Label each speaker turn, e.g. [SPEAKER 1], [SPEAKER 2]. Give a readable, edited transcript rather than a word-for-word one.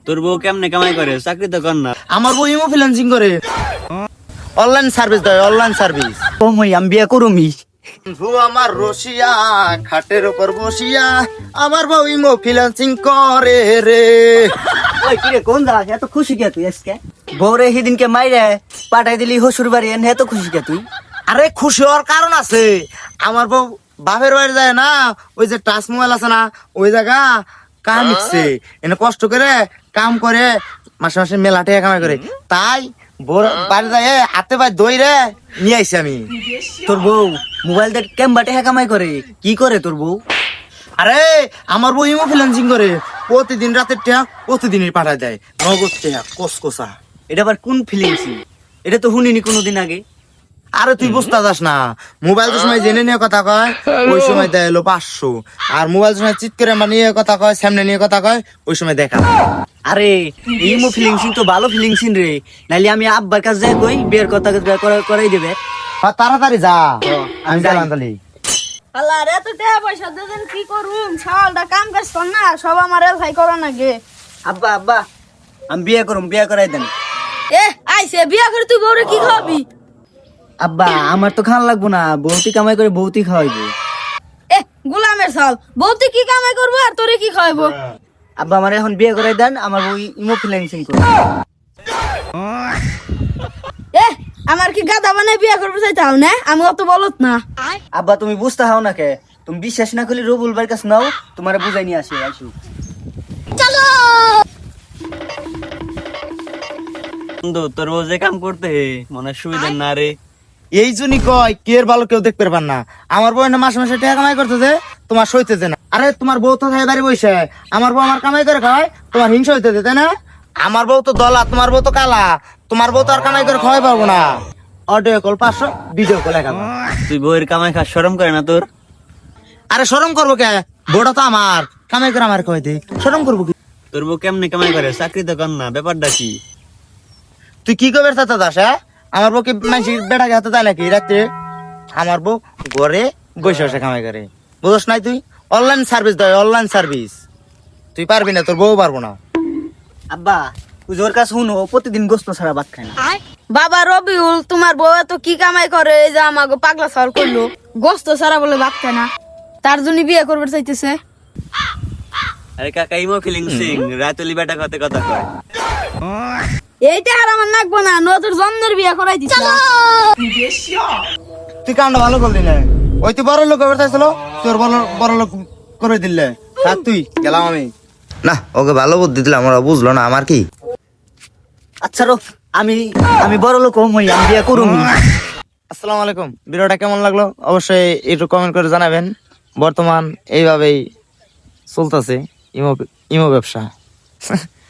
[SPEAKER 1] তোর বউ কেমনে কামাই করে? চাকরি তো কর না।
[SPEAKER 2] আমার বউ ইমো ফ্রিল্যান্সিং করে, অনলাইন সার্ভিস দেয়, অনলাইন সার্ভিস।
[SPEAKER 1] ও মই আমি বিয়া করুমি।
[SPEAKER 2] বন্ধু আমার রসিয়া, খাটের উপর বসিয়া আমার বউ ইমো ফ্রিল্যান্সিং করে রে।
[SPEAKER 1] ওই কি রে, কোন যাস? এত খুশি কে তুই আজকে? বউরে সেদিনকে মাইরে পাঠাই দিলি হসুর বাড়ি, এনে এত খুশি কে তুই?
[SPEAKER 2] আরে খুশি হওয়ার কারণ আছে। আমার বউ বাপের বাড়ি যায় না, ওই যে টাচ মোবাইল আছে না, ওই জায়গা কাম শিখছে, এনে কষ্ট করে কাম করে মাসে মাসে মেলা টাকা কামাই করে, তাই বউর বাড়ি যায় হাতে পায়ে দইরে নিয়ে আইছি আমি।
[SPEAKER 1] তোর বউ মোবাইল দিয়ে কেমবা টাকা কামাই করে? কি করে তোর বউ?
[SPEAKER 2] আরে আমার বউ ইমো ফ্রিল্যান্সিং করে, প্রতিদিন রাতের টাকা প্রতিদিনই পাঠায় দেয়, নগদ টাকা কসকসা।
[SPEAKER 1] এটা আবার কোন ফিলিংস? এটা তো শুনিনি কোনোদিন আগে।
[SPEAKER 2] আরে তুই বুঝতে যাস না, মোবাইল যে সময় জেনে নিয়ে কথা কয় ওই সময় দেয় হলো 500, আর মোবাইল সময় চিৎ করে নিয়ে কথা কয়, সামনে নিয়ে কথা কয়, ওই সময় দেখা।
[SPEAKER 1] আরে ইমো ফিলিংসিং তো ভালো ফিলিংসিং রে, নাইলে আমি আব্বার কাছে যাই কই বিয়ের কথা করাই দেবে।
[SPEAKER 2] তাড়াতাড়ি যা, আমি
[SPEAKER 1] যাই।
[SPEAKER 2] গেলাম তাহলে।
[SPEAKER 3] আল্লাহ রে, তো টাকা পয়সা দেন কি করুম, সালটা কাম কাজ কর না, সব আমার ভাই করা নাগে।
[SPEAKER 1] আব্বা আব্বা আমি বিয়ে করুম, বিয়ে করাই দেন।
[SPEAKER 3] এ আইছে বিয়া করে তুই বউরে কি খাওয়াবি?
[SPEAKER 1] আব্বা আমার তো খাওয়া লাগবো না, বৌতি কামাই করে বৌতি খাওয়াইবো।
[SPEAKER 3] এ গুলামের সাল, বউ তুই কি কামাই করবো আর তোরে কি খাওয়াবো?
[SPEAKER 1] আব্বা আমার এখন বিয়ে করাই দেন, আমার বউ ইমো ফিলিংসিং করবে।
[SPEAKER 3] এ আমার কি গাদা বানাই বিয়া করবো চাইতাও না, আমি অত বলত না।
[SPEAKER 1] আব্বা তুমি বুঝতে হাও না কে? তুমি বিশ্বাস না করলে রবুল ভাইয়ের কাছে নাও, তোমার বুঝাই নিয়ে আসি আইসু।
[SPEAKER 3] চলো
[SPEAKER 1] বন্ধু তোর বউ যে কাম করতে মনে সুবিধা না রে।
[SPEAKER 2] এই জন্যই কয় কে এর ভালো কেউ দেখতে পারবার না। আমার বউ না মাসে মাসে টাকা কামাই করতেছে, তোমার সইতেছে না। আরে তোমার বউ তো খাই বাড়ি বসে, আমার বউ আমার কামাই করে খাওয়ায়, তোমার হিংসা হইতেছে তাই না? আমার বউ তো দলা, তোমার বউ তো কালা, তোমার বউ তো আর কামাই করে খাওয়াই পারবো না। Audio call 500, video call 1000।
[SPEAKER 1] তুই বউয়ের কামাই খাস, শরম করে না তোর?
[SPEAKER 2] আরে শরম করবো কে, বউটা তো আমার, কামাই করে আমার খাওয়াই দে, শরম করবো কি?
[SPEAKER 1] তোর বউ কেমনে কামাই করে? চাকরি তো কর না, ব্যাপারটা কি?
[SPEAKER 2] তুই কি করবে চাচা দাস? হ্যাঁ, আমার বউ কি মানুষের বেটাকে হাতে দেয় নাকি রাত্রে? আমার বউ ঘরে বসে বসে কামাই করে, বুঝস নাই তুই? অনলাইন সার্ভিস দেয়, অনলাইন সার্ভিস। তুই পারবি না, তোর বউ পারবো না।
[SPEAKER 1] আব্বা তুই ওর কাছে শুনো, প্রতিদিন গোস্ত ছাড়া ভাত খায় না।
[SPEAKER 3] বাবা রবিউল, তোমার বউ এত কি কামাই করে, এই যে আমাকে পাগলা সাল করলো, গোস্ত সারা বলে ভাত খায় না, তার জন্য বিয়ে করবে চাইতেছে।
[SPEAKER 1] আরে কাকা ইমো ফিলিংসিং রাতুলি বেটা কত কথা কয়।
[SPEAKER 3] এইটা আর আমার নাকবো না, নতুন জন্মের বিয়ে করাই দিস।
[SPEAKER 2] তুই কামটা ভালো করলি না, ওই তুই বড় লোক হবে চাইছিল, তোর বড় লোক করে দিলে। থাক তুই, গেলাম আমি। না, ওকে ভালো বুদ্ধি দিলাম, ওরা বুঝলো না আমার কি।
[SPEAKER 1] আচ্ছা রো, আমি আমি বড় লোক হই, আমি বিয়ে করুম।
[SPEAKER 2] আসসালামু আলাইকুম। ভিডিওটা কেমন লাগলো অবশ্যই একটু কমেন্ট করে জানাবেন। বর্তমান এইভাবেই চলতেছে ইমো ব্যবসা।